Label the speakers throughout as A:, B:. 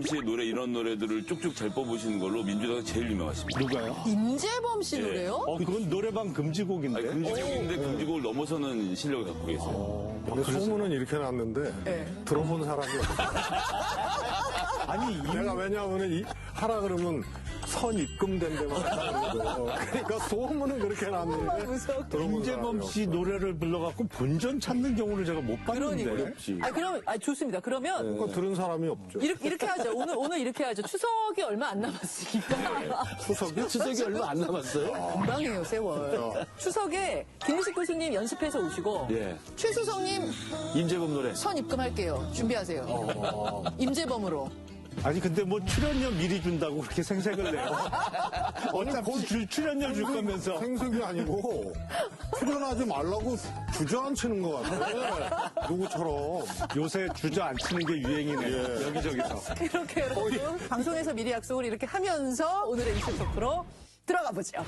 A: 씨의 노래 이런 노래들을 쭉쭉 잘 뽑으시는 걸로 민주당이 제일 유명하십니다.
B: 누가요?
C: 임재범 씨
A: 예.
C: 노래요?
B: 그건 노래방 금지곡인데.
A: 아니, 금지곡인데 금지곡을 넘어서는 실력을 갖고 계세요.
D: 근데 소문은 이렇게 났는데
C: 네.
D: 들어본 사람이 없어요.
B: 아니,
D: 내가 왜냐하면 하라 그러면 선 입금된 데만 하라 그러고 그러니까 소문은 그렇게 났는데
C: 무서워.
D: 들어본
B: 임재범
D: 사람이
B: 씨 노래를 불러갖고 본전 찾는 경우를 제가 못 봤는데.
C: 그러니까. 그럼, 좋습니다. 그러면
D: 그거 들은 사람이 없죠.
C: 이렇게 하죠. 오늘 이렇게 하죠. 추석이 얼마 안 남았으니까.
D: 추석이
E: 얼마 안 남았어요?
C: 금방이에요, 세월. 추석에 김일식 교수님 연습해서 오시고
E: 예.
C: 최수성님
E: 임재범 노래.
C: 선 입금할게요. 준비하세요. 임재범으로.
B: 아니, 근데 뭐 출연료 미리 준다고 그렇게 생색을 내요. 어차피 출연료 줄 거면서.
D: 생색이 아니고 출연하지 말라고 주저앉히는 것 같아. 누구처럼.
B: 요새 주저앉히는 게 유행이네요. 여기저기서.
C: 이렇게 여러분 방송에서 미리 약속을 이렇게 하면서 오늘의 이슈 토크로 들어가 보죠.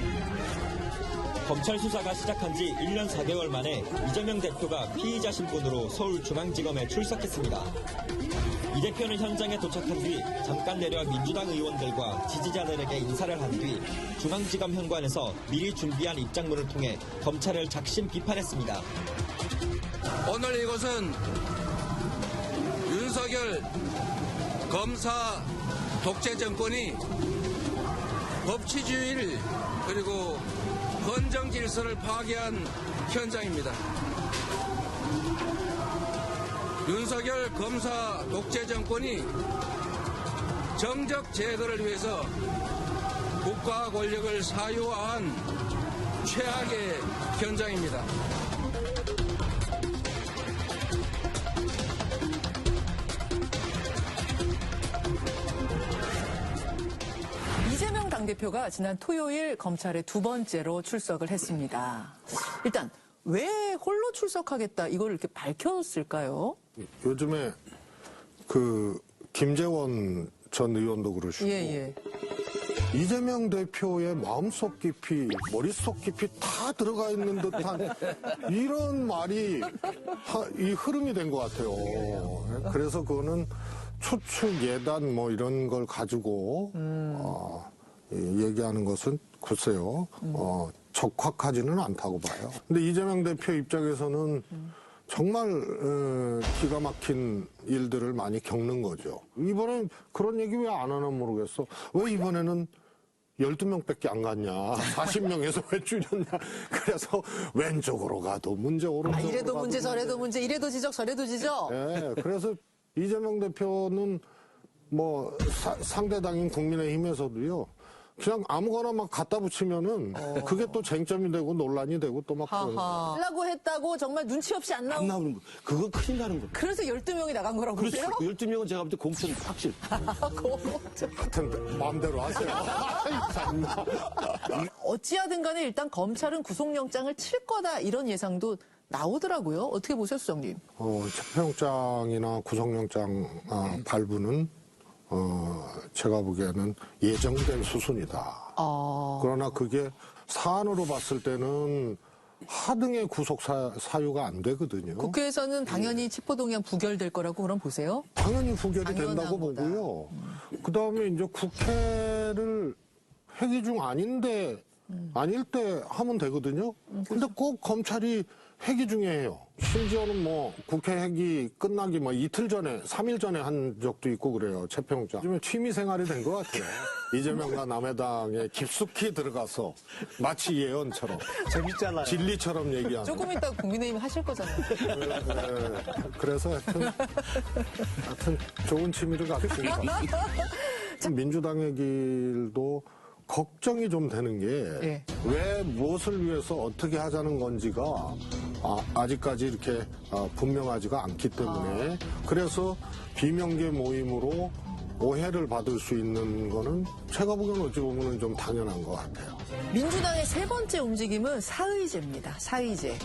F: 검찰 수사가 시작한 지 1년 4개월 만에 이재명 대표가 피의자 신분으로 서울중앙지검에 출석했습니다. 이 대표는 현장에 도착한 뒤 잠깐 내려 민주당 의원들과 지지자들에게 인사를 한 뒤 중앙지검 현관에서 미리 준비한 입장문을 통해 검찰을 작심 비판했습니다.
G: 오늘 이곳은 윤석열 검사 독재 정권이 법치주의를 그리고 헌정 질서를 파괴한 현장입니다. 윤석열 검사 독재 정권이 정적 제거를 위해서 국가 권력을 사유화한 최악의 현장입니다.
C: 이재명 당대표가 지난 토요일 검찰에 두 번째로 출석을 했습니다. 일단 왜 홀로 출석하겠다 이걸 이렇게 밝혔을까요?
D: 요즘에 김재원 전 의원도 그러시고
C: 예.
D: 이재명 대표의 마음속 깊이, 머릿속 깊이 다 들어가 있는 듯한 이런 말이 이 흐름이 된 것 같아요. 그래서 그거는 추측, 예단 뭐 이런 걸 가지고 얘기하는 것은 글쎄요. 적확하지는 않다고 봐요. 근데 이재명 대표 입장에서는 정말 기가 막힌 일들을 많이 겪는 거죠. 이번엔 그런 얘기 왜 안 하나 모르겠어. 왜 이번에는 12명밖에 안 갔냐. 40명에서 왜 줄였냐. 그래서 왼쪽으로 가도 문제, 오른쪽으로
C: 이래도
D: 가도
C: 문제 저래도 문제 이래도 지적 저래도 지적.
D: 네, 그래서 이재명 대표는 뭐 상대당인 국민의힘에서도요. 그냥 아무거나 막 갖다 붙이면은 그게 또 쟁점이 되고 논란이 되고 또 막 그러는 거예요.
C: 하려고 했다고 정말 눈치 없이 안
E: 안
C: 나오고
E: 나오는 거. 그거 큰일 나는 거.
C: 그래서 12명이 나간 거라고
E: 그렇죠.
C: 보세요?
E: 12명은 제가 볼 때 공천 확실.
D: 하여튼 마음대로 하세요. 참나.
C: 어찌하든 간에 일단 검찰은 구속영장을 칠 거다 이런 예상도 나오더라고요. 어떻게 보세요, 수석님?
D: 체포영장이나 구속영장 발부는 제가 보기에는 예정된 수순이다. 그러나 그게 사안으로 봤을 때는 하등의 구속 사유가 안 되거든요.
C: 국회에서는 당연히 체포동의안 부결될 거라고 그럼 보세요?
D: 당연히 부결이
C: 당연한
D: 된다고
C: 거다.
D: 보고요. 그다음에 이제 국회를 회기 중 아닐 때 하면 되거든요. 근데 꼭 검찰이 회기 중에 해요. 심지어는 뭐 국회 회기 끝나기 뭐 이틀 전에, 3일 전에 한 적도 있고 그래요. 체포영장. 요즘에 취미 생활이 된 것 같아요. 이재명과 남해당에 깊숙이 들어가서 마치 예언처럼.
B: 재밌잖아요.
D: 진리처럼 얘기하는.
C: 조금 이따 국민의힘 하실 거잖아요.
D: 네, 그래서 하여튼 좋은 취미를 갖습니다. 민주당의 길도 걱정이 좀 되는 게 왜 무엇을 위해서 어떻게 하자는 건지가 아직까지 이렇게 분명하지가 않기 때문에 그래서 비명계 모임으로 오해를 받을 수 있는 거는 제가 보기에는 어찌 보면 좀 당연한 것 같아요.
C: 민주당의 세 번째 움직임은 사의제입니다. 사의제.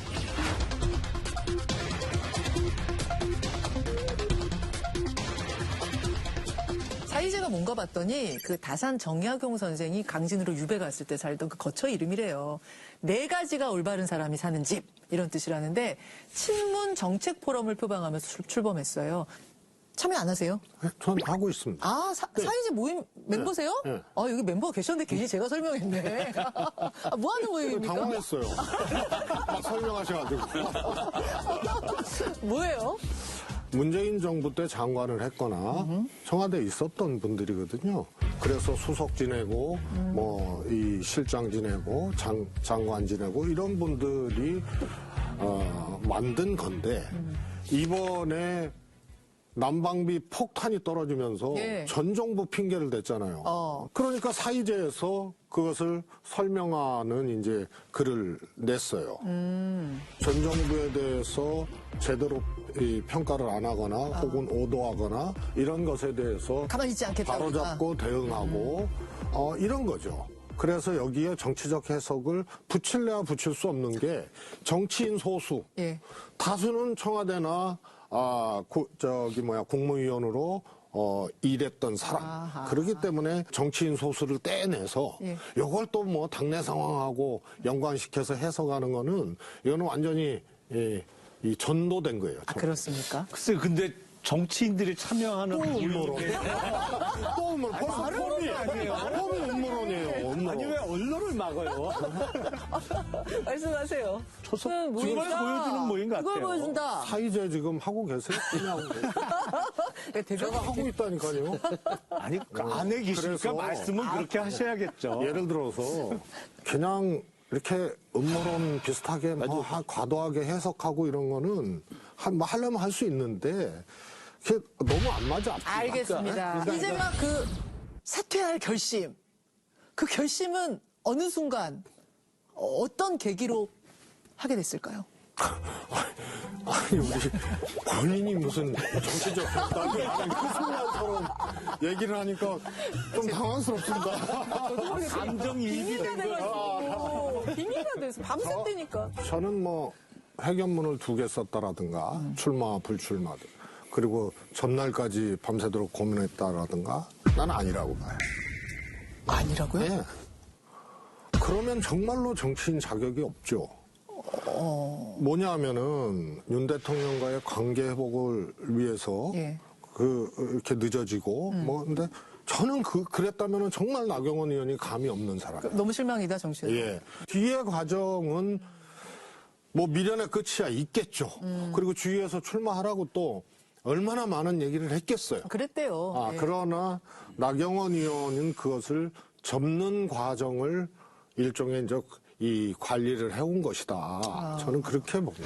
C: 사의제가 뭔가 봤더니 그 다산 정약용 선생이 강진으로 유배 갔을 때 살던 그 거처 이름이래요. 4가지가 올바른 사람이 사는 집 이런 뜻이라는데 친문 정책 포럼을 표방하면서 출범했어요. 참여 안 하세요?
D: 전 하고 있습니다.
C: 아, 사이제 모임 멤버세요?
D: 네.
C: 아, 여기 멤버가 계셨는데 괜히 제가 설명했네. 아, 뭐 하는 모임입니까?
D: 당황했어요. 막 설명하셔가지고.
C: 뭐예요?
D: 문재인 정부 때 장관을 했거나 청와대에 있었던 분들이거든요. 그래서 수석 지내고 뭐 이 실장 지내고 장관 지내고 이런 분들이 만든 건데 이번에 난방비 폭탄이 떨어지면서
C: 예.
D: 전 정부 핑계를 댔잖아요. 그러니까 사이제에서 그것을 설명하는 이제 글을 냈어요. 전 정부에 대해서 제대로 이 평가를 안 하거나 혹은 오도하거나 이런 것에 대해서
C: 가만히 있지 않겠다고.
D: 바로잡고 대응하고 이런 거죠. 그래서 여기에 정치적 해석을 붙일래야 붙일 수 없는 게 정치인 소수,
C: 예.
D: 다수는 청와대나 국무위원으로 일했던 사람.
C: 아하.
D: 그렇기 때문에 정치인 소수를 떼내서
C: 예.
D: 이걸 또 뭐 당내 상황하고 연관시켜서 해석하는 거는 이거는 완전히 이 전도된 거예요.
C: 아, 그렇습니까?
B: 글쎄, 근데 정치인들이 참여하는
D: 또 음모론.
B: 모임에
D: 또 음모론. 벌써 폼이 아니에요. 폼이 음모론이에요. 음모론.
B: 아니 왜 언론을 막아요?
C: 말씀하세요.
B: 그걸 보여주는 모임 같아요.
C: 그걸 보여준다.
D: 사이제 지금 하고 계세요? 그냥 제가 하고 있다니까요.
B: 아니 안에 계시니까
D: 그래서-
B: 말씀은 그렇게 하셔야겠죠.
D: 예를 들어서 그냥 이렇게 음모론 비슷하게 뭐 과도하게 해석하고 이런 거는 뭐 하려면 할 수 있는데 그게 너무 안 맞아. 앞뒤가.
C: 알겠습니다.
D: 그러니까
C: 이제 막 그 사퇴할 결심. 그 결심은 어느 순간 어떤 계기로 하게 됐을까요?
D: 아니 우리 본인이 무슨 정치적 결단이 아닌 그 순간처럼 얘기를 하니까 좀 당황스럽습니다.
B: 감정이입이
C: 빙의가 돼가지고 빙의가 돼서 밤새대니까.
D: 저는 뭐 회견문을 2개 썼다라든가 출마 불출마 그리고 전날까지 밤새도록 고민했다라든가 난 아니라고 봐요.
C: 아니라고요?
D: 네. 그러면 정말로 정치인 자격이 없죠. 뭐냐면은 윤 대통령과의 관계 회복을 위해서
C: 예.
D: 이렇게 늦어지고 뭐 근데 저는 그랬다면은 정말 나경원 의원이 감이 없는 사람이에요.
C: 너무 실망이다, 정신.
D: 예. 뒤의 과정은 뭐 미련의 끝이야 있겠죠. 그리고 주위에서 출마하라고 또 얼마나 많은 얘기를 했겠어요.
C: 그랬대요. 예.
D: 그러나 나경원 의원은 그것을 접는 과정을 일종의 이제 이 관리를 해온 것이다. 저는 그렇게 봅니다.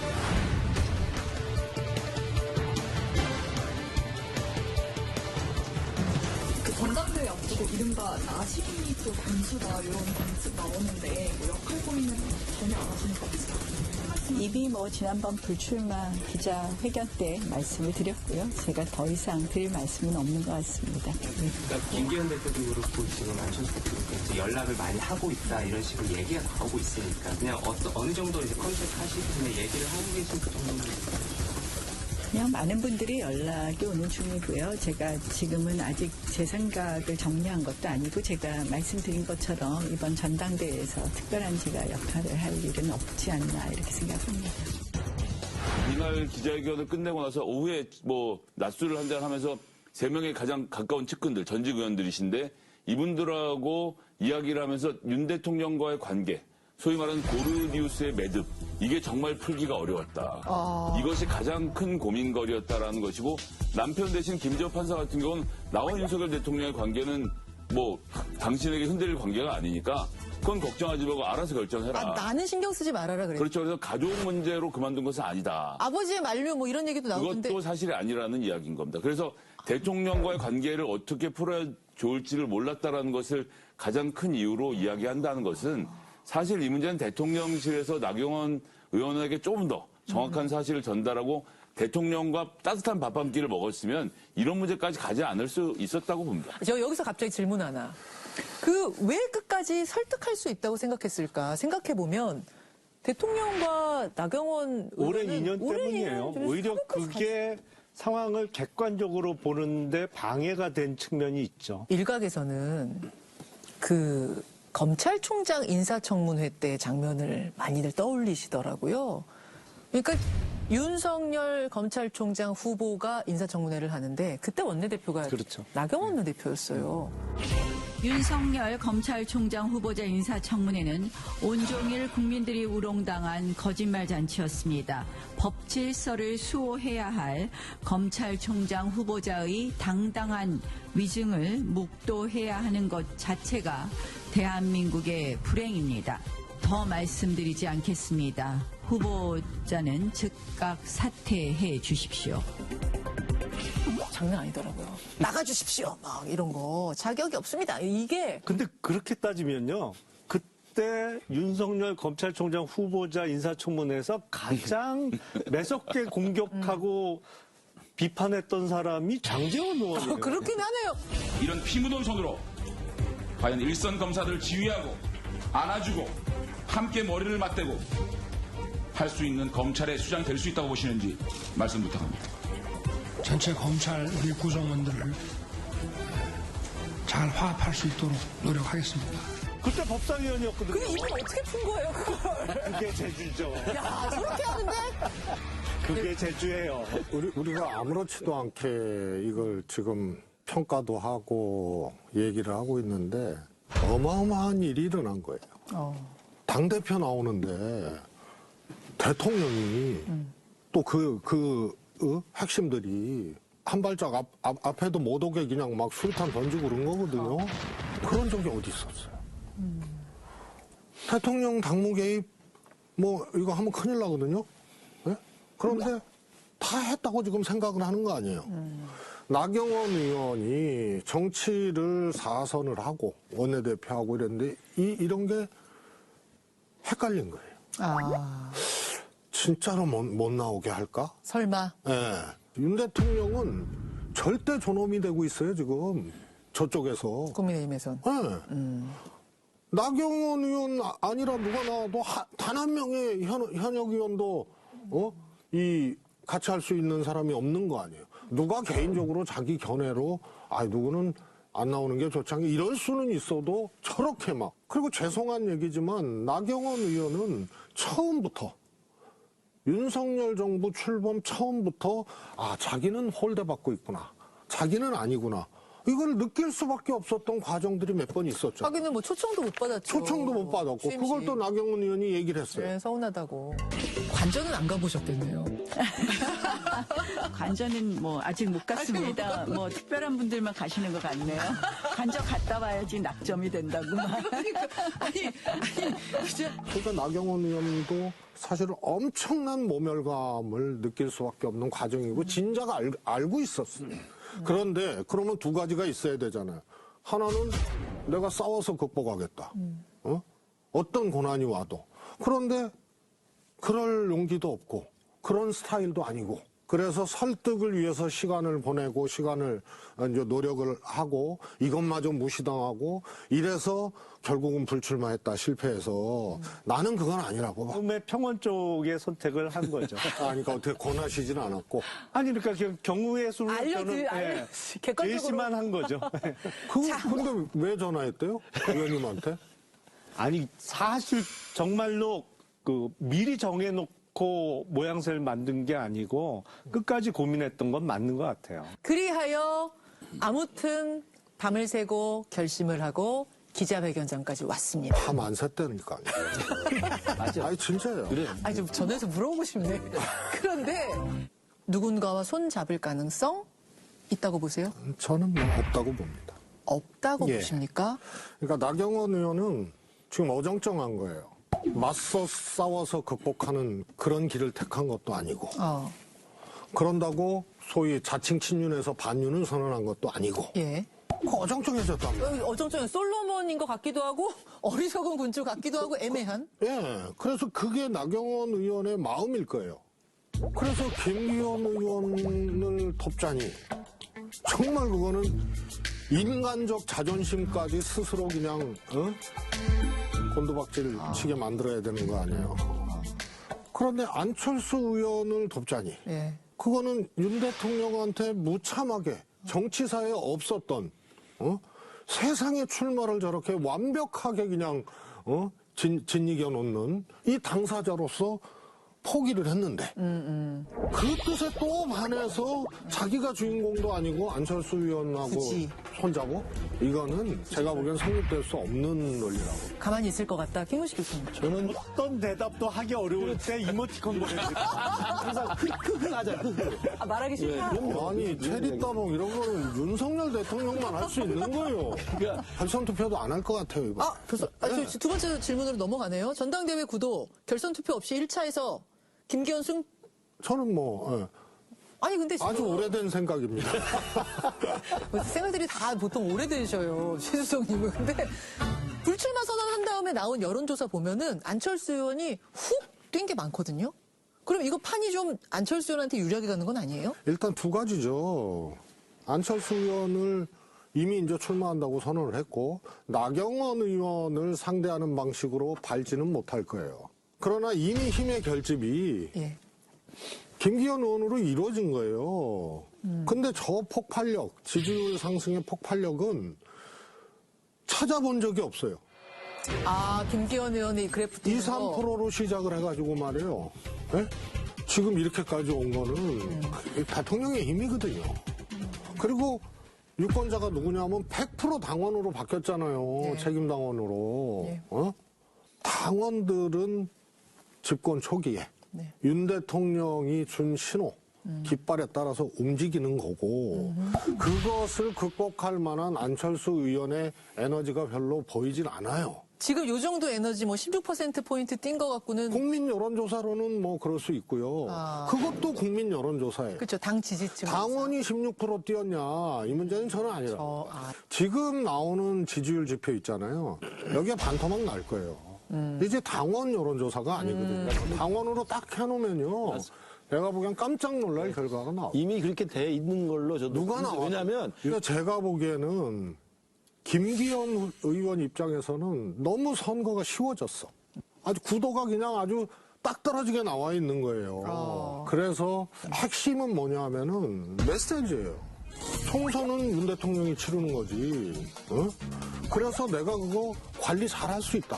H: 그 전당대회 앞두고 이른바 나시기 또 군수다 이런 관측 나오는데 뭐 역할 고민은 전혀 안 하시는 것 같아요.
I: 이미 뭐 지난번 불출마 기자회견 때 말씀을 드렸고요. 제가 더 이상 드릴 말씀은 없는 것 같습니다.
J: 그러니까 김기현 대표도 그렇고 지금 안철수 대표도 그렇고 연락을 많이 하고 있다 이런 식으로 얘기가 나오고 있으니까 그냥 어느 정도 이제 컨택 하시기 전에 얘기를 하고 계신 그 정도는
I: 그냥 많은 분들이 연락이 오는 중이고요. 제가 지금은 아직 제 생각을 정리한 것도 아니고 제가 말씀드린 것처럼 이번 전당대회에서 특별한 제가 역할을 할 일은 없지 않나 이렇게 생각합니다.
A: 이날 기자회견을 끝내고 나서 오후에 뭐 낮술을 한잔 하면서 3명의 가장 가까운 측근들, 전직 의원들이신데 이분들하고 이야기를 하면서 윤 대통령과의 관계, 소위 말하는 고르디우스의 매듭, 이게 정말 풀기가 어려웠다. 이것이 가장 큰 고민거리였다라는 것이고 남편 대신 김재호 판사 같은 경우는 나와 윤석열 대통령의 관계는 뭐 당신에게 흔들릴 관계가 아니니까 그건 걱정하지 말고 알아서 결정해라.
C: 나는 신경 쓰지 말아라 그래.
A: 그렇죠. 그래서 가족 문제로 그만둔 것은 아니다.
C: 아버지의 만류 뭐 이런 얘기도 나오는데.
A: 그것도 사실이 아니라는 이야기인 겁니다. 그래서 대통령과의 관계를 어떻게 풀어야 좋을지를 몰랐다라는 것을 가장 큰 이유로 이야기한다는 것은 사실 이 문제는 대통령실에서 나경원 의원에게 조금 더 정확한 사실을 전달하고 대통령과 따뜻한 밥 한 끼를 먹었으면 이런 문제까지 가지 않을 수 있었다고 봅니다.
C: 저 여기서 갑자기 질문 하나. 왜 끝까지 설득할 수 있다고 생각했을까? 생각해보면 대통령과 나경원
B: 오랜
C: 의원은
B: 인연 때문이에요.
C: 인연,
B: 오히려 그게 상황을 객관적으로 보는데 방해가 된 측면이 있죠.
C: 일각에서는 검찰총장 인사청문회 때 장면을 많이들 떠올리시더라고요. 그러니까 윤석열 검찰총장 후보가 인사청문회를 하는데 그때 원내대표가
B: 그렇죠.
C: 나경원 원내대표였어요.
I: 윤석열 검찰총장 후보자 인사청문회는 온종일 국민들이 우롱당한 거짓말 잔치였습니다. 법 질서를 수호해야 할 검찰총장 후보자의 당당한 위증을 묵도해야 하는 것 자체가 대한민국의 불행입니다. 더 말씀드리지 않겠습니다. 후보자는 즉각 사퇴해 주십시오.
C: 장난 아니더라고요. 나가주십시오. 막 이런 거. 자격이 없습니다. 이게
B: 근데 그렇게 따지면요. 그때 윤석열 검찰총장 후보자 인사청문회에서 가장 매섭게 공격하고 비판했던 사람이 장제원 의원이에요.
C: 그렇긴 하네요.
K: 이런 피 묻은 손으로 과연 일선 검사들을 지휘하고 안아주고 함께 머리를 맞대고 할 수 있는 검찰의 수장이 될 수 있다고 보시는지 말씀 부탁합니다.
L: 전체 검찰 우리 구성원들을 잘 화합할 수 있도록 노력하겠습니다.
B: 그때 법사위원이었거든요.
C: 근데 이분 어떻게 푼 거예요, 그걸?
B: 그게 제주죠.
C: 야, 저렇게 하는데?
B: 그게 제주예요.
D: 우리가 아무렇지도 않게 이걸 지금 평가도 하고 얘기를 하고 있는데 어마어마한 일이 일어난 거예요. 당대표 나오는데 대통령이 또 핵심들이 한 발짝 앞에도 못 오게 그냥 막 수류탄 던지고 그런 거거든요. 그런 적이 어디 있었어요. 대통령 당무 개입 뭐 이거 하면 큰일 나거든요. 네? 그런데 다 했다고 지금 생각을 하는 거 아니에요. 나경원 의원이 정치를 사선을 하고 원내대표하고 이랬는데 이런 게 헷갈린 거예요. 진짜로 못 나오게 할까?
C: 설마?
D: 네. 윤 대통령은 절대 존엄이 되고 있어요, 지금. 저쪽에서.
C: 국민의힘에선.
D: 네. 나경원 의원 아니라 누가 나와도 단 한 명의 현역 의원도, 같이 할 수 있는 사람이 없는 거 아니에요. 누가 개인적으로 자기 견해로, 누구는 안 나오는 게 좋지 않게 이럴 수는 있어도 저렇게 막. 그리고 죄송한 얘기지만 나경원 의원은 처음부터 윤석열 정부 출범 처음부터 자기는 홀대받고 있구나. 자기는 아니구나. 이걸 느낄 수밖에 없었던 과정들이 몇 번 있었죠.
C: 하기는 뭐 초청도 못 받았죠.
D: 초청도 못 받았고
C: 취임식.
D: 그걸 또 나경원 의원이 얘기를 했어요.
C: 네, 서운하다고. 관전은 안 가보셨겠네요.
I: 관전은 뭐 아직 못 갔습니다. 뭐 특별한 분들만 가시는 것 같네요. 관전 갔다 와야지 낙점이 된다고.
D: 그러니까 나경원 의원도 사실은 엄청난 모멸감을 느낄 수밖에 없는 과정이고 진작 알고 있었어요. 그런데 그러면 두 가지가 있어야 되잖아요. 하나는 내가 싸워서 극복하겠다. 어떤 고난이 와도. 그런데 그럴 용기도 없고 그런 스타일도 아니고 그래서 설득을 위해서 시간을 보내고 시간을 이제 노력을 하고 이것마저 무시당하고 이래서 결국은 불출마했다 실패해서 나는 그건 아니라고 봐.
B: 처음에 평원 쪽의 선택을 한 거죠.
D: 그러니까 어떻게 권하시진 않았고.
B: 아니 그러니까 경우의 수로 저는
C: 객관적으로.
B: 제시만 한 거죠.
D: 근데 왜 전화했대요? 의원님한테?
B: 아니 사실 정말로 미리 정해놓고 모양새를 만든 게 아니고 끝까지 고민했던 건 맞는 것 같아요.
C: 그리하여 아무튼 밤을 새고 결심을 하고 기자회견장까지 왔습니다.
D: 밤 안 샜다니까.
E: 맞아.
D: 아니 진짜요.
E: 그래.
C: 좀 전화해서 물어보고 싶네. 그런데 누군가와 손 잡을 가능성 있다고 보세요?
D: 저는 뭐 없다고 봅니다.
C: 없다고
D: 예.
C: 보십니까?
D: 그러니까 나경원 의원은 지금 어정쩡한 거예요. 맞서 싸워서 극복하는 그런 길을 택한 것도 아니고 그런다고 소위 자칭 친윤에서 반윤을 선언한 것도 아니고
C: 예.
D: 어정쩡해졌단 말이에요.
C: 어정쩡해. 솔로몬인 것 같기도 하고 어리석은 군주 같기도 하고 애매한.
D: 예, 그래서 그게 나경원 의원의 마음일 거예요. 그래서 김기현 의원을 돕자니 정말 그거는 인간적 자존심까지 스스로 그냥 곤두박질 치게 만들어야 되는 거 아니에요. 그런데 안철수 의원을 돕자니
C: 예.
D: 그거는 윤 대통령한테 무참하게 정치사에 없었던 세상의 출마를 저렇게 완벽하게 그냥 짓이겨 놓는 이 당사자로서 포기를 했는데 그 뜻에 또 반해서 자기가 주인공도 아니고 안철수 의원하고
C: 그치.
D: 손잡고 이거는 제가 보기엔 성립될 수 없는 논리라고.
C: 가만히 있을 것 같다. 김우식 교수님.
B: 저는 어떤 대답도 하기 어려울 때 이모티콘 보내드립니다.
E: 항상 크크 하자.
C: 아, 말하기 싫다.
D: 아니 체리 따봉 이런 거는 윤석열 대통령만 할 수 있는 거예요. 결선 투표도 안 할 것 같아요 이거.
C: 아, 교수. 두 번째 질문으로 넘어가네요. 전당대회 구도 결선 투표 없이 1차에서 김기현 승.
D: 저는 뭐 예.
C: 아니 근데 지금
D: 아주 오래된 생각입니다.
C: 생각들이 다 보통 오래되셔요, 최수성님은. 근데 불출마 선언한 다음에 나온 여론조사 보면은 안철수 의원이 훅 뛴 게 많거든요. 그럼 이거 판이 좀 안철수 의원한테 유리하게 가는 건 아니에요?
D: 일단 두 가지죠. 안철수 의원을 이미 이제 출마한다고 선언을 했고 나경원 의원을 상대하는 방식으로 밟지는 못할 거예요. 그러나 이미 힘의 결집이
C: 예.
D: 김기현 의원으로 이루어진 거예요. 근데 저 폭발력, 지지율 상승의 폭발력은 찾아본 적이 없어요.
C: 아, 김기현 의원의 그래프트
D: 2, 3%로 시작을 해가지고 말이에요. 예? 지금 이렇게까지 온 거는 대통령의 힘이거든요. 그리고 유권자가 누구냐면 100% 당원으로 바뀌었잖아요.
C: 네.
D: 책임당원으로.
C: 네.
D: 당원들은 집권 초기에
C: 네.
D: 윤 대통령이 준 신호, 깃발에 따라서 움직이는 거고 그것을 극복할 만한 안철수 의원의 에너지가 별로 보이진 않아요.
C: 지금 요 정도 에너지 뭐 16%포인트 뛴 것 갖고는.
D: 국민 여론조사로는 뭐 그럴 수 있고요.
C: 아.
D: 그것도 국민 여론조사예요.
C: 그렇죠. 당 지지층.
D: 당원이 16% 뛰었냐 이 문제는 저는 아니라. 지금 나오는 지지율 지표 있잖아요. 여기에 반토막 날 거예요. 이제 당원 여론조사가 아니거든요. 당원으로 딱 해놓으면요. 내가 보기엔 깜짝 놀랄 결과가 나와요.
E: 이미 그렇게 돼 있는 걸로 저도.
D: 누가 나와?
E: 왜냐면
D: 제가 보기에는 김기현 의원 입장에서는 너무 선거가 쉬워졌어. 아주 구도가 그냥 아주 딱 떨어지게 나와 있는 거예요. 그래서 핵심은 뭐냐 하면은 메시지예요. 총선은 윤 대통령이 치르는 거지. 어? 그래서 내가 그거 관리 잘할 수 있다.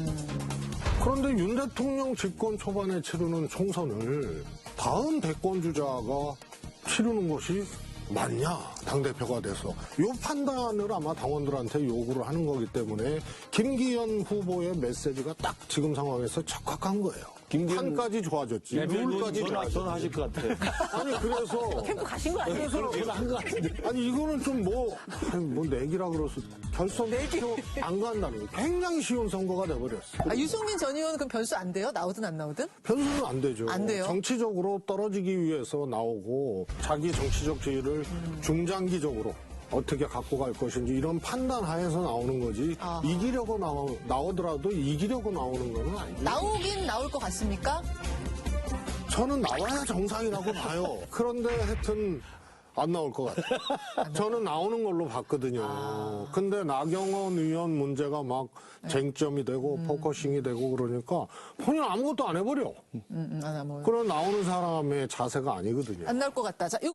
D: 그런데 윤 대통령 집권 초반에 치르는 총선을 다음 대권 주자가 치르는 것이 맞냐, 당대표가 돼서. 요 판단을 아마 당원들한테 요구를 하는 거기 때문에 김기현 후보의 메시지가 딱 지금 상황에서 적합한 거예요. 판까지 좋아졌지. 룰까지 좋아졌지.
E: 전화하실 것 같아요.
D: 아니, 그래서.
C: 캠프 가신 거 아니에요?
E: 전화한 것 같은데.
D: 아니, 이거는 좀 뭐 내기라 그래서 결선 투표 안 간다는 거. 굉장히 쉬운 선거가 돼버렸어.
C: 아, 유승민 전 의원은 그럼 변수 안 돼요? 나오든 안 나오든?
D: 변수는 안 되죠.
C: 안 돼요?
D: 정치적으로 떨어지기 위해서 나오고 자기 정치적 지위를 중장기적으로 어떻게 갖고 갈 것인지 이런 판단 하에서 나오는 거지.
C: 아하.
D: 이기려고 나오더라도 이기려고 나오는 건 아니에요.
C: 나오긴 나올 것 같습니까?
D: 저는 나와야 정상이라고 봐요. 그런데 하여튼 안 나올 것 같아요. 저는 나오는 걸로 봤거든요. 근데 나경원 의원 문제가 막 쟁점이 되고 포커싱이 되고 그러니까 본인 아무것도 안 해버려.
C: 안
D: 그런 나오는 사람의 자세가 아니거든요.
C: 나올 것 같다. 자,